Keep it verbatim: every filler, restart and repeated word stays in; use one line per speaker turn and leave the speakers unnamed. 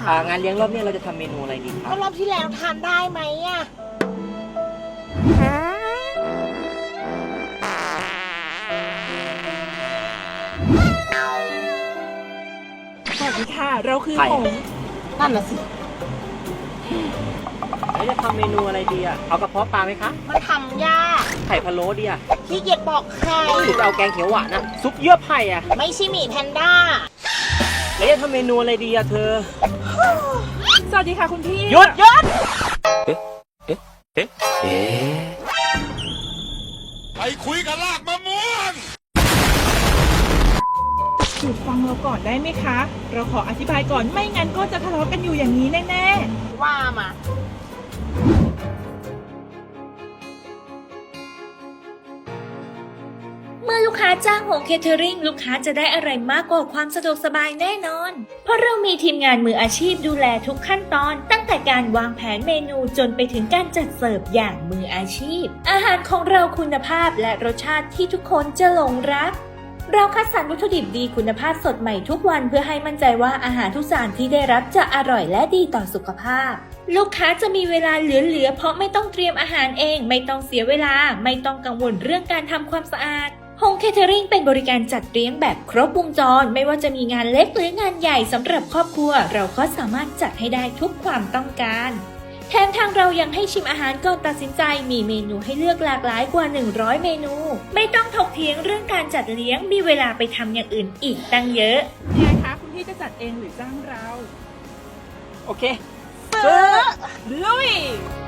คะ
งานเลี้ยงรอบนี้เราจะทำเมนูอะไรดีครั
ก็
บ
รอบที่แล้วทานได้ไหมอ่ะ
สวัสดีค่ะ เราคือ
ใคร
หง
นั่นน่ะสิ
แล้วจะทำเมนูอะไรดีอ่ะเอากระเพาะปลาไหมคะ
มันทำยาก
ไข่พะโล้ดีอ่ะ
ขี้เกียจบอกใคร
หรือจะเอาแกงเขียวหวานอ่ะซุปเยื่อไผ่อ่ะ
ไม่ใช่หมีแพนด้า
แล้วจะทำเมนูอะไรดีอ่ะเธอ
สวัสดีค่ะคุณพี่
หยุดหยุดเอ๊ะเอ๊ะเอ๊ะเอ๊ะ
ไปคุยกับลากมะม่วง
หยุดฟังเราก่อนได้ไหมคะ เราขออธิบายก่อนไม่งั้นก็จะทะเลาะกันอยู่อย่างนี้แน่
ว่ามา
เมื่อลูกค้าจ้างโฮมเคเทอริงลูกค้าจะได้อะไรมากกว่าความสะดวกสบายแน่นอน เพราะเรามีทีมงานมืออาชีพดูแลทุกขั้นตอนตั้งแต่การวางแผนเมนูจนไปถึงการจัดเสิร์ฟอย่างมืออาชีพอาหารของเราคุณภาพและรสชาติที่ทุกคนจะหลงรักเราคัดสรรวัตถุดิบดีคุณภาพสดใหม่ทุกวันเพื่อให้มั่นใจว่าอาหารทุกจานที่ได้รับจะอร่อยและดีต่อสุขภาพลูกค้าจะมีเวลาเหลือๆเพราะไม่ต้องเตรียมอาหารเองไม่ต้องเสียเวลาไม่ต้องกังวลเรื่องการทำความสะอาดโฮมเคเทอริงเป็นบริการจัดเลี้ยงแบบครบวงจรไม่ว่าจะมีงานเล็กหรืองานใหญ่สำหรับครอบครัวเราก็สามารถจัดให้ได้ทุกความต้องการแถมทางเรายังให้ชิมอาหารก่อนตัดสินใจมีเมนูให้เลือกหลากหลายกว่าหนึ่งร้อยเมนูไม่ต้องถกเถียงเรื่องการจัดเลี้ยงมีเวลาไปทำอย่างอื่นอีกตั้งเยอะ
ๆยังไงคะคุณพี่จะจัดเองหรือจ้างเรา
โอเค
ซื้อ
ลุย